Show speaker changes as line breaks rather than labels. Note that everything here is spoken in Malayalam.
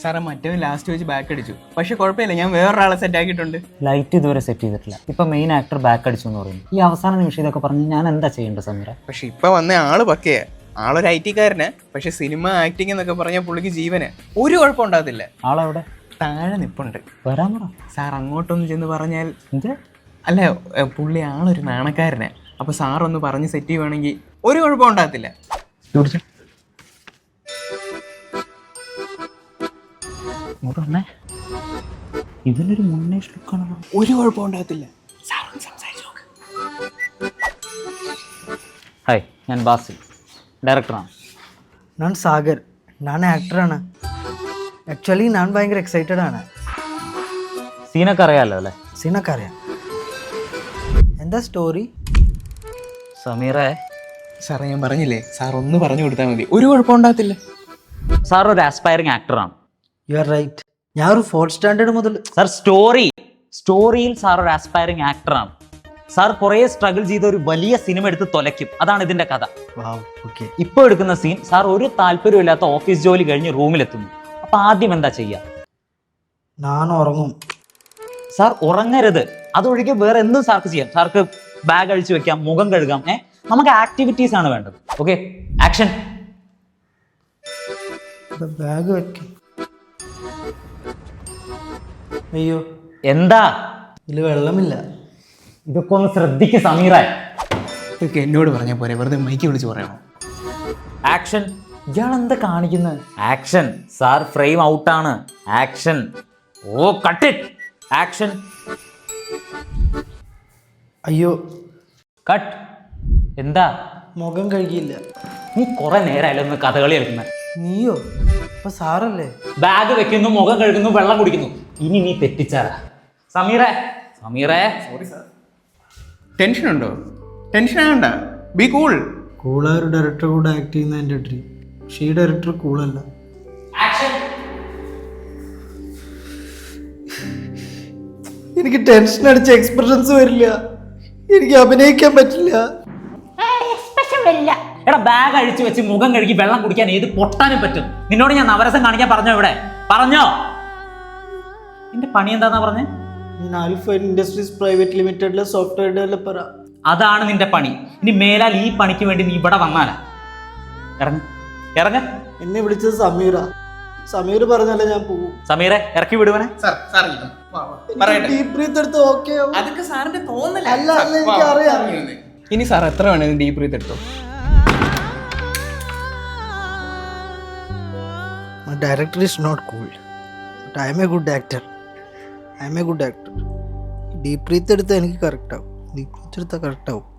സാറേ മറ്റവൻ ലാസ്റ്റ് വെച്ച് ബാക്ക് അടിച്ചു. പക്ഷെ കുഴപ്പമില്ല, ഞാൻ വേറൊരാളെ സെറ്റ് ആക്കിയിട്ടുണ്ട്.
ലൈറ്റ് ഇതുവരെ സെറ്റ് ചെയ്തിട്ടില്ല. ഇപ്പൊ മെയിൻ ആക്ടർ ബാക്ക് അടിച്ചു എന്ന് പറയുന്നു. ഈ അവസാന നിമിഷം ഇതൊക്കെ പറഞ്ഞ് ഞാൻ എന്താ ചെയ്യേണ്ടത് സമീറ?
പക്ഷെ ഇപ്പൊ വന്ന ആള് പക്കയാ. ആളൊരു IT കാരന്. പക്ഷെ സിനിമ ആക്ടിങ് എന്നൊക്കെ പറഞ്ഞാൽ പുള്ളിക്ക് ജീവന് ഒരു കുഴപ്പം ഉണ്ടാകത്തില്ല.
ആളെവിടെ?
താഴെ നിപ്പുണ്ട്.
വരാൻ പറ.
സാർ അങ്ങോട്ടൊന്ന് ചെന്ന് പറഞ്ഞാൽ.
എന്ത്?
അല്ല, പുള്ളി ആളൊരു നാണക്കാരന്. അപ്പൊ സാറൊന്ന് പറഞ്ഞ് സെറ്റ് ചെയ്യുവാണെങ്കിൽ ഒരു കുഴപ്പം ഉണ്ടാകത്തില്ല.
ഇതിനൊരു മുന്നേഷ് ലുക്കാണല്ലോ.
ഒരു കുഴപ്പം ഉണ്ടാകത്തില്ല. സാറൊന്ന് സംസാരിച്ചു നോക്ക്.
ഹായ്, ഞാൻ ബാസിൽ, ഡയറക്ടറാണ്.
ನಾನು ಸಾಗರ್, ನಾನು ಆ್ಯಕ್ಟ್ರಾണ്. ആക്ച്വലി ഞാൻ ഭയങ്കര എക്സൈറ്റഡ് ആണ്.
സീനൊക്കെ അറിയാമല്ലോ അല്ലേ?
സീനൊക്കെ അറിയാം. എന്താ സ്റ്റോറി?
സമീറേ,
സാറേ ഞാൻ പറഞ്ഞില്ലേ, സാർ ഒന്ന് പറഞ്ഞു കൊടുത്താൽ മതി, ഒരു കുഴപ്പം ഉണ്ടാകത്തില്ല.
സാർ ഒരു ആസ്പയറിംഗ് ആക്ടറാണ്.
You are right. ഞാൻ ഒരു 4th സ്റ്റാൻഡേർഡ് മുതൽ.
സാർ സ്റ്റോറിയിൽ സാർ ഒരു ആസ്പയറിംഗ് ആക്ടറാണ്. സാർ കുറേ സ്ട്രഗിൾ ചെയ്ത ഒരു വലിയ സിനിമ എടുത്ത് തൊലയ്ക്കും. അതാണ് ഇതിന്റെ കഥ.
ഓക്കെ.
ഇപ്പോൾ എടുക്കുന്ന സീൻ, സാർ ഒരു താല്പര്യമില്ലാത്ത ഓഫീസ് ജോലി കഴിഞ്ഞ് റൂമിലെത്തുന്നു. അപ്പൊ ആദ്യം എന്താ ചെയ്യുക?
ഞാൻ ഉറങ്ങും.
സാർ ഉറങ്ങരുത്. അതൊഴികെ വേറെ എന്തും സാർക്ക് ചെയ്യാം. സാർക്ക് ബാഗ് അഴിച്ചു വെക്കാം, മുഖം കഴുകാം. നമുക്ക് ആക്ടിവിറ്റീസ് ആണ് വേണ്ടത്. Okay, action.
ബാഗ് വെക്കും. അയ്യോ,
എന്താ?
ഇതിൽ വെള്ളമില്ല.
ഇതൊക്കെ ഒന്ന് ശ്രദ്ധിക്ക് സമീറ.
ഇതൊക്കെ എന്നോട് പറഞ്ഞാൽ പോരെ, വെറുതെ മൈക്ക് വിളിച്ച് പറയണോ?
ആക്ഷൻ. ഇയാൾ എന്താ കാണിക്കുന്നത്? ആക്ഷൻ. സാർ ഫ്രെയിം ഔട്ടാണ്. ആക്ഷൻ. ഓ, കട്ട് ഇറ്റ്. ആക്ഷൻ.
അയ്യോ,
കട്ട്. എന്താ?
മുഖം കഴുകിയില്ല.
നീ കുറെ നേരമായാലും ഒന്ന് കഥകളി കളിക്കുന്ന.
നീയോ? അപ്പൊ സാറല്ലേ?
ബാഗ് വെക്കുന്നു, മുഖം കഴുകുന്നു, വെള്ളം കുടിക്കുന്നു. ഇനി നീ തെറ്റിച്ചാരാ? സമീറേ.
Sorry sir. ടെൻഷൻ ഉണ്ടോ? ടെൻഷൻ ആകണ്ട, ബി കൂൾ.
കൂളായ ഒരു ഡയറക്ടർ കൂടെ ആക്ട് ചെയ്യുന്ന എൻ്റെ ഡ്രീം. പക്ഷേ ഈ ഡയറക്ടർ കൂളല്ല. എനിക്ക് ടെൻഷൻ അടിച്ച എക്സ്പ്രഷൻസ് വരില്ല. എനിക്ക് അഭിനയിക്കാൻ പറ്റില്ല.
എടാ, ബാഗ് അഴിച്ചു വെച്ച് മുഖം കഴുകി വെള്ളം കുടിക്കാൻ ഏത് പൊട്ടാനും പറ്റും? നിന്നോട് ഞാൻ നവരസം കാണിക്കാൻ പറഞ്ഞോ? ഇവിടെ പറഞ്ഞോ? നിന്റെ പണി എന്താന്നാ പറഞ്ഞേ?
ഞാൻ ആൽഫ ഇൻഡസ്ട്രീസ് പ്രൈവറ്റ് ലിമിറ്റഡിലെ സോഫ്റ്റ്വെയർ ഡെവലപ്പറാ.
അതാണ് നിന്റെ പണി. ഇനി മേലാൽ ഈ പണിക്ക് വേണ്ടി നീ ഇവിടെ വന്നാലാ. ഇറങ്ങ.
എന്നെ വിളിച്ചത് സമീറ. സമീർ പറഞ്ഞല്ലേ ഞാൻ പോകും.
സമീറെ, ഇറക്കി വിടുവനെ.
ഡീപ് ബ്രീത്ത് എടുത്ത് ഓക്കെ.
അതൊക്കെ സാറിന്റെ തോന്നല.
അല്ല, എനിക്കറിയാം.
ഇനി സാർ എത്ര വേണേലും ഡീപ് ബ്രീത്ത് എടുത്തോ.
My director is not cool, but I am a good actor. Deep breath എടുത്താൽ എനിക്ക് കറക്റ്റ് ആവും. ഡീപ് ബ്രീത്ത് എടുത്താൽ കറക്റ്റ് ആവും.